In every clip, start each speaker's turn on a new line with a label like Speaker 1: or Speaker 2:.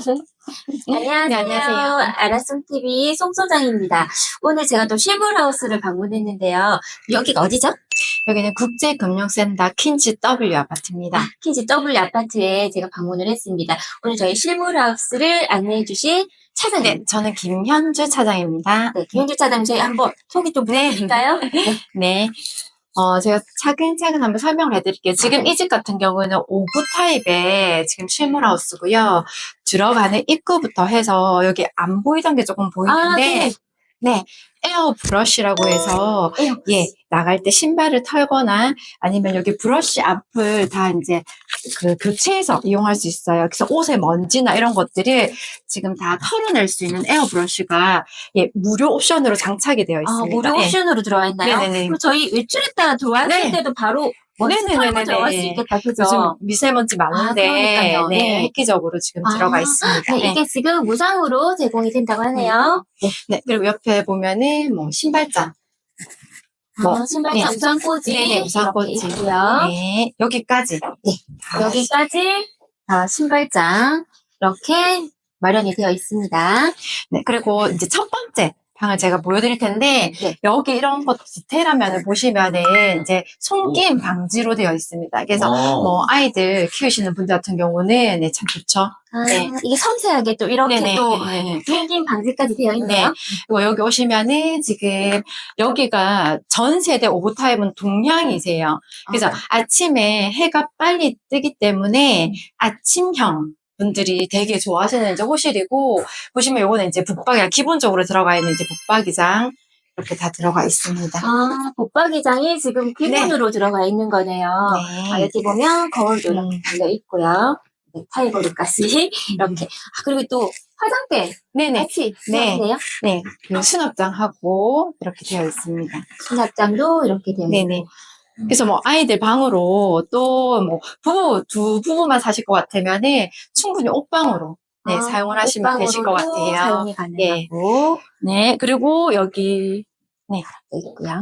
Speaker 1: 안녕하세요.
Speaker 2: 네, 안녕하세요.
Speaker 1: 아라송TV 송소장입니다. 오늘 제가 또 실물하우스를 방문했는데요. 여기가 어디죠?
Speaker 2: 여기는 국제금융센터 퀸즈 W 아파트입니다.
Speaker 1: 퀸즈 W 아파트에 제가 방문을 했습니다. 오늘 저희 실물하우스를 안내해 주실 차장님.
Speaker 2: 네, 저는 김현주 차장입니다.
Speaker 1: 네, 김현주 차장님 저희 한번 소개 좀 부탁드릴까요?
Speaker 2: 네. 제가 차근차근 한번 설명을 해드릴게요. 지금 이 집 같은 경우는 5구 타입의 지금 실물하우스고요. 들어가는 입구부터 해서 여기 안 보이던 게 조금 보이는데, 네, 에어 브러쉬라고 해서, 예, 나갈 때 신발을 털거나 아니면 여기 브러쉬 앞을 다 이제 교체해서 이용할 수 있어요. 그래서 옷에 먼지나 이런 것들을 지금 다 털어낼 수 있는 에어 브러쉬가 예, 무료 옵션으로 장착이 되어 있습니다.
Speaker 1: 무료 옵션으로 들어와 있나요?
Speaker 2: 네네네.
Speaker 1: 그럼 저희 외출했다가 들어왔을 때도 바로 먼지 털고 들어갈 수 있겠다, 그죠?
Speaker 2: 요즘 미세먼지 많은데
Speaker 1: 그러니까요.
Speaker 2: 네, 획기적으로 지금 들어가 있습니다.
Speaker 1: 네, 이게 지금 무상으로 제공이 된다고 하네요.
Speaker 2: 네, 그리고 옆에 보면은 뭐 신발장.
Speaker 1: 신발장 우산꽂이.
Speaker 2: 네, 우산꽂이
Speaker 1: 있고요.
Speaker 2: 네, 여기까지. 네,
Speaker 1: 여기까지 신발장 이렇게 마련이 되어 있습니다.
Speaker 2: 네, 그리고 이제 첫 번째 방을 제가 보여드릴 텐데, 여기 이런 것 디테일한 면을 보시면은 이제 손김 방지로 되어 있습니다. 그래서 뭐 아이들 키우시는 분들 같은 경우는 네, 참 좋죠. 네.
Speaker 1: 이게 섬세하게 또 이렇게 또 손김 방지까지 되어 있네요.
Speaker 2: 네. 그리고 여기 오시면은 지금 여기가 전 세대 오브 타입은 동향이세요. 그래서 아침에 해가 빨리 뜨기 때문에 아침형 분들이 되게 좋아하시는 이제 호실이고, 보시면 요거는 이제 북박이랑 기본적으로 들어가 있는 이제 북박이장 이렇게 다 들어가 있습니다.
Speaker 1: 북박이장이 지금 기본으로 들어가 있는 거네요.
Speaker 2: 네.
Speaker 1: 여기 보면 거울도 이렇게 달려 있고요. 네, 타이거리까지 이렇게. 그리고 또 화장대 같이 있네요.
Speaker 2: 네, 그 수납장하고 이렇게 되어 있습니다.
Speaker 1: 수납장도 이렇게 되어 있고.
Speaker 2: 그래서 뭐 아이들 방으로 또 뭐 두 부부만 사실 것 같으면은 충분히 옷방으로 사용을 하시면 되실 것 같아요.
Speaker 1: 사용이 가능하고.
Speaker 2: 네, 그리고 여기
Speaker 1: 있고요.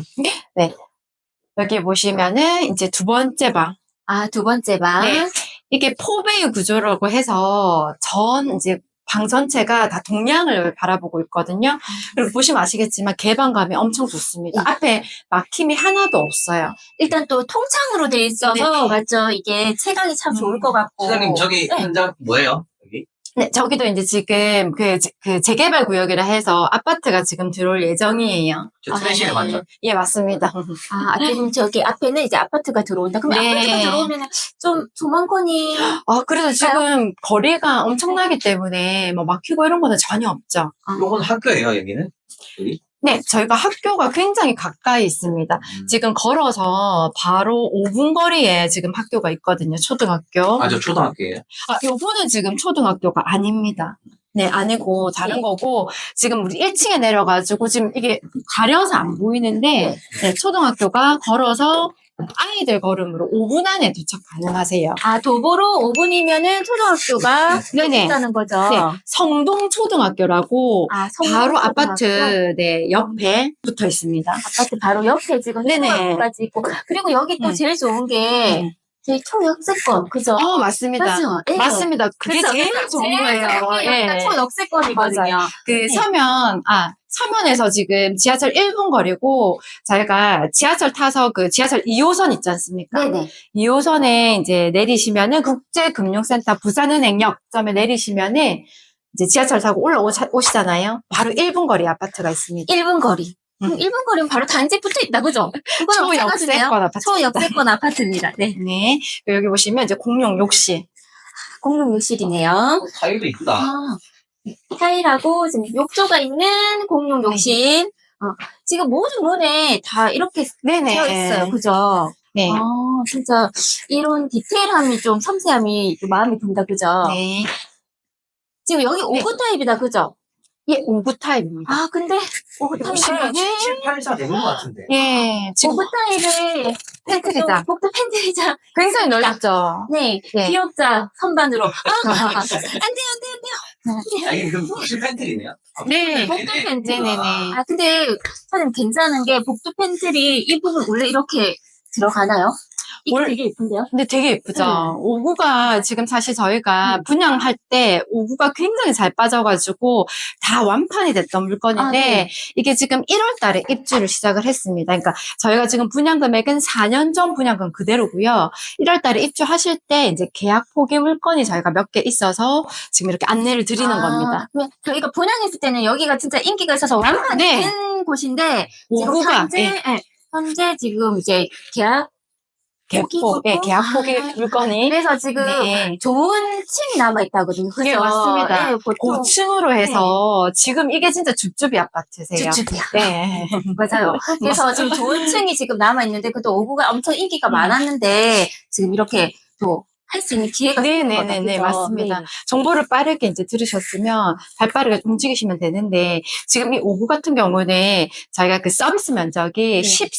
Speaker 2: 네, 여기 보시면은 이제 두 번째 방.
Speaker 1: 두 번째 방.
Speaker 2: 네, 이게 포베이 구조라고 해서 이제 방 전체가 다 동향을 바라보고 있거든요. 그리고 보시면 아시겠지만 개방감이 엄청 좋습니다. 앞에 막힘이 하나도 없어요.
Speaker 1: 일단 또 통창으로 돼 있어서 맞죠? 이게 체감이 참 좋을 것 같고.
Speaker 3: 사장님 저기 현장 뭐예요? 여기?
Speaker 2: 네, 저기도 이제 지금 그 재개발 구역이라 해서 아파트가 지금 들어올 예정이에요.
Speaker 3: 저 트랜시에 맞죠?
Speaker 2: 예, 맞습니다.
Speaker 1: 그럼 저기 앞에는 이제 아파트가 들어온다. 그럼 아파트가 들어오면 좀 조만권이.
Speaker 2: 그래서 지금 거리가 엄청나기 때문에 뭐 막히고 이런 거는 전혀 없죠.
Speaker 3: 요건 학교예요, 여기는? 여기?
Speaker 2: 네, 저희가 학교가 굉장히 가까이 있습니다. 지금 걸어서 바로 5분 거리에 지금 학교가 있거든요. 초등학교.
Speaker 3: 저 초등학교예요.
Speaker 2: 요거는 지금 초등학교가 아닙니다. 네, 아니고 다른 거고, 지금 우리 1층에 내려가지고 지금 이게 가려서 안 보이는데, 초등학교가 걸어서 아이들 걸음으로 5분 안에 도착 가능하세요.
Speaker 1: 도보로 5분이면은 초등학교가 있다는 거죠.
Speaker 2: 네, 성동초등학교라고 바로 아파트 옆에 붙어 있습니다.
Speaker 1: 아파트 바로 옆에 지금 초등학교까지 있고, 그리고 여기 또 제일 좋은 게 저희 초역세권, 그죠?
Speaker 2: 맞습니다.
Speaker 1: 맞죠?
Speaker 2: 맞습니다. 그게 제일 좋은 거예요.
Speaker 1: 초역세권이거든요.
Speaker 2: 서면에서 지금 지하철 1분 거리고, 저희가 지하철 타서 지하철 2호선 있지 않습니까? 2호선에 이제 내리시면은 국제금융센터 부산은행역점에 내리시면은 이제 지하철 타고 올라오시잖아요. 바로 1분 거리 아파트가 있습니다.
Speaker 1: 1분 거리. 1분 거리면 바로 단지 붙어 있다, 그죠?
Speaker 2: 초역세권 아파트.
Speaker 1: 초역세권 아파트입니다. 네.
Speaker 2: 여기 보시면 이제 공용 욕실.
Speaker 1: 공용 욕실이네요.
Speaker 3: 타일도 이쁘다.
Speaker 1: 타일하고 지금 욕조가 있는 공용 욕실. 지금 모든 문에 다 이렇게 되어 있어요. 그죠?
Speaker 2: 네.
Speaker 1: 진짜 이런 디테일함이 좀 섬세함이 좀 마음에 든다, 그죠?
Speaker 2: 네.
Speaker 1: 지금 여기 5구 타입이다, 그죠?
Speaker 2: 예, 5구 타입입니다.
Speaker 1: 근데 5구 타입은
Speaker 3: 7, 8사 되는 것 같은데.
Speaker 2: 예, 지금
Speaker 1: 5구 타입을
Speaker 2: 팬트리장.
Speaker 1: 복도 팬트리장.
Speaker 2: 굉장히 넓죠.
Speaker 1: 네. 기업자 선반으로. 안 돼요.
Speaker 3: 이게 그럼 혹시 팬트리네요?
Speaker 2: 네.
Speaker 1: 복도 팬트리.
Speaker 2: 네네네.
Speaker 1: 근데 사장님 괜찮은 게 복도 팬트리 이 부분 원래 이렇게 들어가나요? 이게
Speaker 2: 올-
Speaker 1: 되게 예쁜데요?
Speaker 2: 근데 되게 예쁘죠?
Speaker 1: 네.
Speaker 2: 오구가 지금 사실 저희가 분양할 때 오구가 굉장히 잘 빠져가지고 다 완판이 됐던 물건인데
Speaker 1: 네.
Speaker 2: 이게 지금 1월 달에 입주를 시작을 했습니다. 그러니까 저희가 지금 분양 금액은 4년 전 분양금 그대로고요. 1월 달에 입주하실 때 이제 계약 포기 물건이 저희가 몇 개 있어서 지금 이렇게 안내를 드리는 겁니다.
Speaker 1: 그러면 저희가 분양했을 때는 여기가 진짜 인기가 있어서 완판이
Speaker 2: 네.
Speaker 1: 된 곳인데 지금
Speaker 2: 오구가
Speaker 1: 현재 지금 이제 계약
Speaker 2: 계약 포기 물건이
Speaker 1: 그래서 지금
Speaker 2: 네.
Speaker 1: 좋은 층이 남아있다거든요. 그죠?
Speaker 2: 네, 맞습니다.
Speaker 1: 네, 보통
Speaker 2: 고층으로 해서 지금 이게 진짜 줍줍이 아파트세요.
Speaker 1: 줍줍이야.
Speaker 2: 네.
Speaker 1: 맞아요. 그래서 지금 좋은 층이 지금 남아있는데, 그래도 오구가 엄청 인기가 많았는데, 지금 이렇게 또 할 수 있는 기회가
Speaker 2: 네네네네, 맞습니다.
Speaker 1: 네.
Speaker 2: 정보를 빠르게 이제 들으셨으면 발빠르게 움직이시면 되는데, 지금 이 오구 같은 경우는 저희가 그 서비스 면적이
Speaker 1: 네.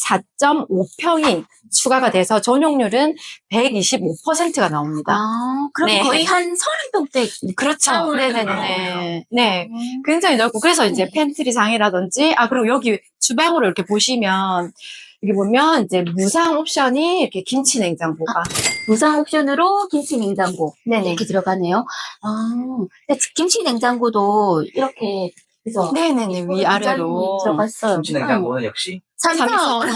Speaker 2: 14.5평이 추가가 돼서 전용률은 125%가 나옵니다.
Speaker 1: 그럼
Speaker 2: 네.
Speaker 1: 거의 한 30평대.
Speaker 2: 그렇죠. 네네네. 네. 굉장히 넓고, 그래서 이제 팬트리 장이라든지, 그리고 여기 주방으로 이렇게 보시면, 여기 보면 이제 무상 옵션이 이렇게 김치 냉장고가.
Speaker 1: 무상 옵션으로 김치 냉장고.
Speaker 2: 네네.
Speaker 1: 이렇게 들어가네요. 근데 김치 냉장고도 이렇게, 그죠?
Speaker 2: 네네네. 위아래로.
Speaker 1: 들어갔어요.
Speaker 3: 김치 냉장고는 역시
Speaker 1: 삼성.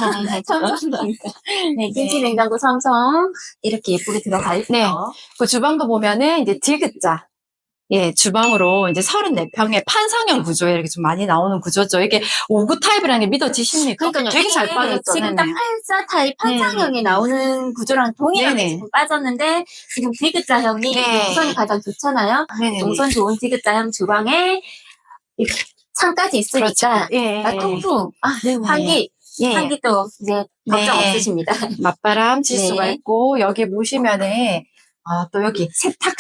Speaker 1: 삼성이니까. 네, 김치 냉장고 삼성. 이렇게 예쁘게 들어가 있어요.
Speaker 2: 네. 그 주방도 보면은 이제 디귿자. 예, 주방으로 이제 34평의 판상형 구조에 이렇게 좀 많이 나오는 구조죠. 이게 5구 타입이라는 게 믿어지십니까?
Speaker 1: 그러니까요.
Speaker 2: 되게 잘
Speaker 1: 이게
Speaker 2: 빠졌죠.
Speaker 1: 지금 딱
Speaker 2: 네네.
Speaker 1: 84 타입 판상형이 나오는 구조랑 동일하게
Speaker 2: 네네.
Speaker 1: 지금 빠졌는데, 지금 디귿자형이
Speaker 2: 네.
Speaker 1: 동선이 가장 좋잖아요.
Speaker 2: 네네.
Speaker 1: 동선 좋은 디귿자형 주방에 이렇게 창까지 있으니까,
Speaker 2: 예.
Speaker 1: 통풍,
Speaker 2: 네네.
Speaker 1: 환기,
Speaker 2: 예.
Speaker 1: 환기도 이제 걱정
Speaker 2: 네.
Speaker 1: 없으십니다.
Speaker 2: 맞바람 칠 수가
Speaker 1: 네.
Speaker 2: 있고, 여기 보시면은, 또 여기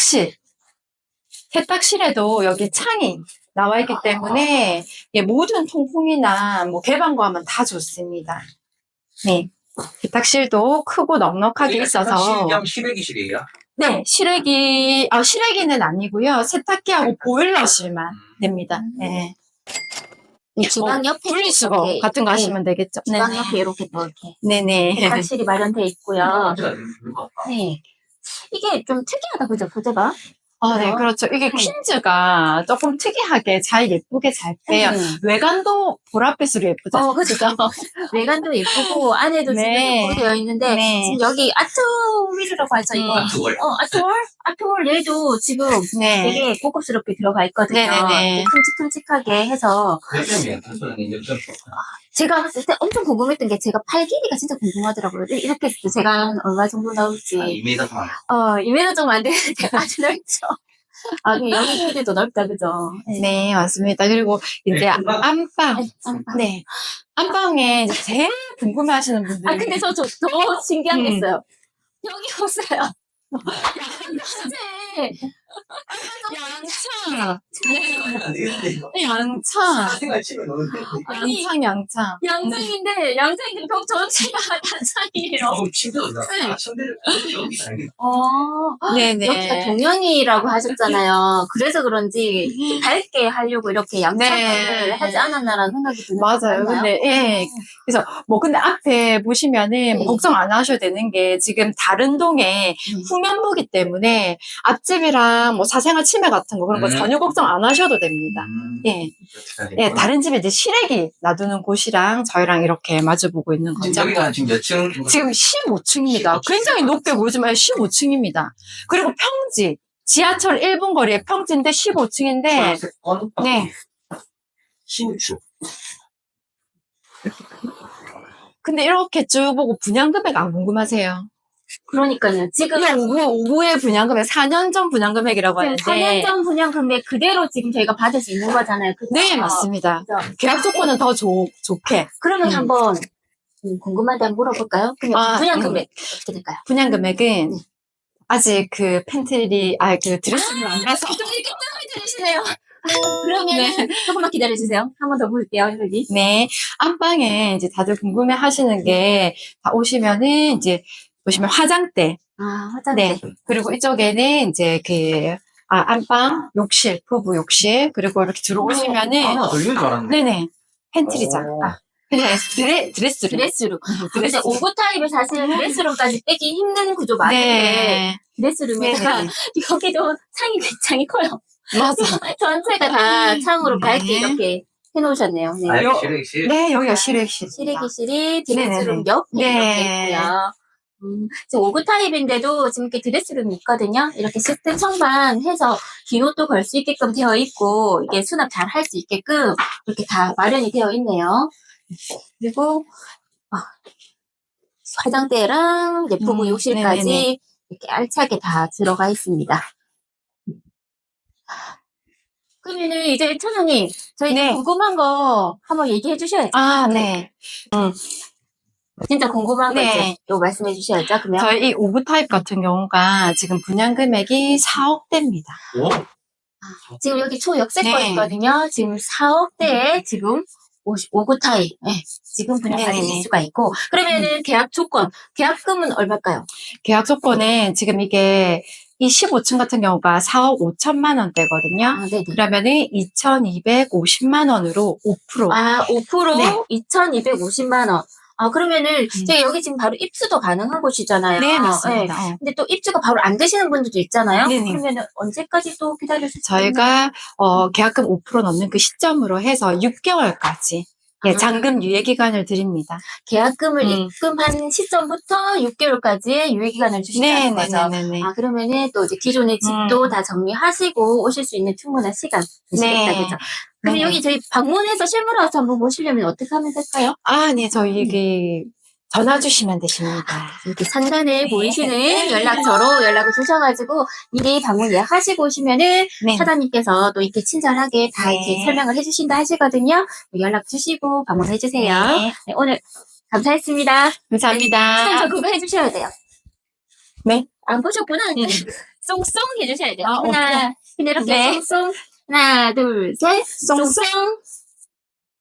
Speaker 2: 세탁실에도 여기 창이 나와 있기 때문에, 예, 모든 통풍이나 뭐 개방구하면 다 좋습니다. 네. 세탁실도 크고 넉넉하게 있어서.
Speaker 3: 그냥 실외기실이에요.
Speaker 2: 네, 실외기는 아니고요. 세탁기하고 보일러실만 됩니다. 네.
Speaker 1: 주방 옆에
Speaker 2: 분리수거
Speaker 1: 이렇게,
Speaker 2: 같은 거
Speaker 1: 네.
Speaker 2: 하시면 되겠죠.
Speaker 1: 주방 옆에 이렇게 또 이렇게
Speaker 2: 네네.
Speaker 1: 세탁실이 마련되어 있고요.
Speaker 3: 진짜 예쁠 것 같다.
Speaker 1: 네. 이게 좀 특이하다, 그죠? 소재가?
Speaker 2: 네, 그렇죠. 이게 퀸즈가 조금 특이하게 잘 예쁘게 잘 빼요. 외관도 보랏빛으로 예쁘죠.
Speaker 1: 그죠. 외관도 예쁘고, 안에도
Speaker 2: 네.
Speaker 1: 지금 예쁘게 되어 있는데,
Speaker 2: 네.
Speaker 1: 지금 여기 아트윌이라고 하죠, 이거.
Speaker 3: 그걸
Speaker 1: 아트월 얘도 지금
Speaker 2: 네.
Speaker 1: 되게 고급스럽게 들어가 있거든요.
Speaker 2: 네네네.
Speaker 1: 큼직큼직하게 해서.
Speaker 3: 그러면 단순하게 역전.
Speaker 1: 제가 봤을 때 엄청 궁금했던 게 제가 팔 길이가 진짜 궁금하더라고요. 이렇게 했을 때 제가 한 얼마 정도 나올지.
Speaker 3: 2m 반.
Speaker 1: 2m 정도 안 되는데 아주 넓죠. 근데 여기 길이도 넓다, 그죠?
Speaker 2: 네, 맞습니다. 그리고 이제 안방. 네. 안방에 이제 제일 궁금해 하시는 분들.
Speaker 1: 근데 저 더 신기한 게 있어요. 여기 보세요.
Speaker 2: 양창. 양창.
Speaker 3: 생활 치면 너무
Speaker 2: 양창.
Speaker 1: 양장인데 벽 전체가 단상이에요.
Speaker 3: 침대도 나.
Speaker 1: 네.
Speaker 3: 침대를 여기 다니.
Speaker 2: 네네.
Speaker 1: 여기가 동현이라고 하셨잖아요. 그래서 그런지 밝게 하려고 이렇게 양창을
Speaker 2: 네.
Speaker 1: 하지 않았나라는 생각이 드는
Speaker 2: 맞아요. 근데, 예. 그래서, 근데 앞에 보시면은
Speaker 1: 네.
Speaker 2: 걱정 안 하셔도 되는 게 지금 다른 동에 후면부기 때문에 앞집이랑 뭐 사생활 침해 같은 거 그런 거 전혀 걱정 안 하셔도 됩니다. 예. 예, 다른 집에 이제 실외기 놔두는 곳이랑 저희랑 이렇게 마주보고 있는 거죠.
Speaker 3: 여기가 지금 몇 층?
Speaker 2: 지금 15층입니다. 굉장히 높게 보이지만 15층입니다. 그리고 평지. 지하철 1분 거리에 평지인데 15층인데, 네.
Speaker 3: 신축.
Speaker 2: 근데 이렇게 쭉 보고 분양 금액 안 궁금하세요?
Speaker 1: 그러니까요. 지금
Speaker 2: 오구의 분양 금액, 4년 전 분양 금액이라고 하는데.
Speaker 1: 4년 전 분양 금액 그대로 지금 저희가 받을 수 있는 거잖아요. 그죠?
Speaker 2: 네, 맞습니다.
Speaker 1: 그죠?
Speaker 2: 계약 조건은 더 좋게.
Speaker 1: 그러면 한번 궁금한데 한번 물어볼까요? 그냥 분양 금액 어떻게 될까요?
Speaker 2: 분양 금액은 아직 그 팬트리, 그 드레스를 안 가서.
Speaker 1: 좀 이렇게 뜸을 들이시네요. 그러면 조금만 기다려주세요. 한 번 더 볼게요, 여기.
Speaker 2: 네. 안방에 이제 다들 궁금해 하시는 게, 다 오시면은 이제, 보시면 화장대.
Speaker 1: 화장대.
Speaker 2: 네. 그리고 이쪽에는 이제 안방, 욕실, 부부 욕실. 그리고 이렇게 들어오시면은,
Speaker 3: 하나 더 있는 줄 알았는데.
Speaker 2: 네네. 팬트리장. 드레스룸.
Speaker 1: 드레스룸. 근데 5구 타입은 사실 드레스룸까지 빼기 힘든 구조 많은데
Speaker 2: 네.
Speaker 1: 드레스룸에다가
Speaker 2: 네.
Speaker 1: 여기도 창이 굉장히 커요.
Speaker 2: 맞아.
Speaker 1: 전체가 다 창으로
Speaker 2: 네.
Speaker 1: 밝게 이렇게 해놓으셨네요. 네.
Speaker 3: 아,
Speaker 2: 요-
Speaker 3: 실외기실.
Speaker 2: 네, 여기가 실외실.
Speaker 1: 실외기실이 드레스룸
Speaker 2: 네네네.
Speaker 1: 옆에
Speaker 2: 네.
Speaker 1: 이렇게 있고요. 지금 5구 타입인데도 지금 이렇게 드레스룸이 있거든요. 이렇게 시스템 청반 해서 긴 옷도 걸 수 있게끔 되어 있고, 이게 수납 잘 할 수 있게끔 이렇게 다 마련이 되어 있네요. 그리고, 화장대랑 예쁘고 욕실까지
Speaker 2: 네네네.
Speaker 1: 이렇게 알차게 다 들어가 있습니다. 그러면은 이제 차장님, 저희
Speaker 2: 네.
Speaker 1: 궁금한 거 한번 얘기해 주셔야죠.
Speaker 2: 아, 네.
Speaker 1: 진짜 궁금한 거
Speaker 2: 네.
Speaker 1: 이제 또 말씀해 주셔야죠. 그러면
Speaker 2: 저희 이 5구 타입 같은 경우가 지금 분양 금액이 4억대입니다.
Speaker 3: 오?
Speaker 1: 지금 여기 초역세권이거든요.
Speaker 2: 네.
Speaker 1: 지금 4억대에 지금 5구 타입. 네, 지금 분양받으실
Speaker 2: 네네네.
Speaker 1: 수가 있고. 그러면은 계약 조건, 계약금은 얼마일까요?
Speaker 2: 계약 조건은 지금 이게 이 15층 같은 경우가 4억 5천만 원대거든요.
Speaker 1: 아, 네네.
Speaker 2: 그러면은 2,250만 원으로 5%.
Speaker 1: 아, 5%
Speaker 2: 네.
Speaker 1: 2,250만 원. 아, 그러면은 저희 여기 지금 바로 입주도 가능한 곳이잖아요.
Speaker 2: 네, 맞습니다.
Speaker 1: 네. 근데 또 입주가 바로 안 되시는 분들도 있잖아요.
Speaker 2: 네네.
Speaker 1: 그러면은 언제까지 또 기다릴 수 있나요?
Speaker 2: 저희가 계약금 5% 넘는 그 시점으로 해서 6개월까지 예, 잔금 유예 기간을 드립니다.
Speaker 1: 계약금을 입금한 시점부터 6개월까지의 유예기간을 주신다는 거죠.
Speaker 2: 네네네네.
Speaker 1: 아, 그러면은 또 이제 기존의 집도 다 정리하시고 오실 수 있는 충분한 시간 되시겠다,
Speaker 2: 네.
Speaker 1: 그죠? 그럼
Speaker 2: 네네.
Speaker 1: 여기 저희 방문해서 실물하서 한번 보시려면 어떻게 하면 될까요?
Speaker 2: 아, 네, 저희 여기 전화 주시면 되십니다.
Speaker 1: 이렇게 상단에
Speaker 2: 네.
Speaker 1: 보이시는 연락처로 연락을 주셔가지고 미리 방문 예약하시고 오시면은
Speaker 2: 네.
Speaker 1: 사장님께서 또 이렇게 친절하게 다
Speaker 2: 네.
Speaker 1: 이렇게 설명을 해주신다 하시거든요. 연락 주시고 방문해주세요.
Speaker 2: 네.
Speaker 1: 네, 오늘 감사했습니다.
Speaker 2: 감사합니다.
Speaker 1: 사장님 저 그거 해주셔야 돼요.
Speaker 2: 네.
Speaker 1: 안 보셨구나. 쏭쏭 해주셔야 돼요.
Speaker 2: 아,
Speaker 1: 하나, 근데 이렇게
Speaker 2: 네.
Speaker 1: 쏭쏭. 하나, 둘, 셋.
Speaker 2: 쏭쏭.
Speaker 1: 쏭쏭.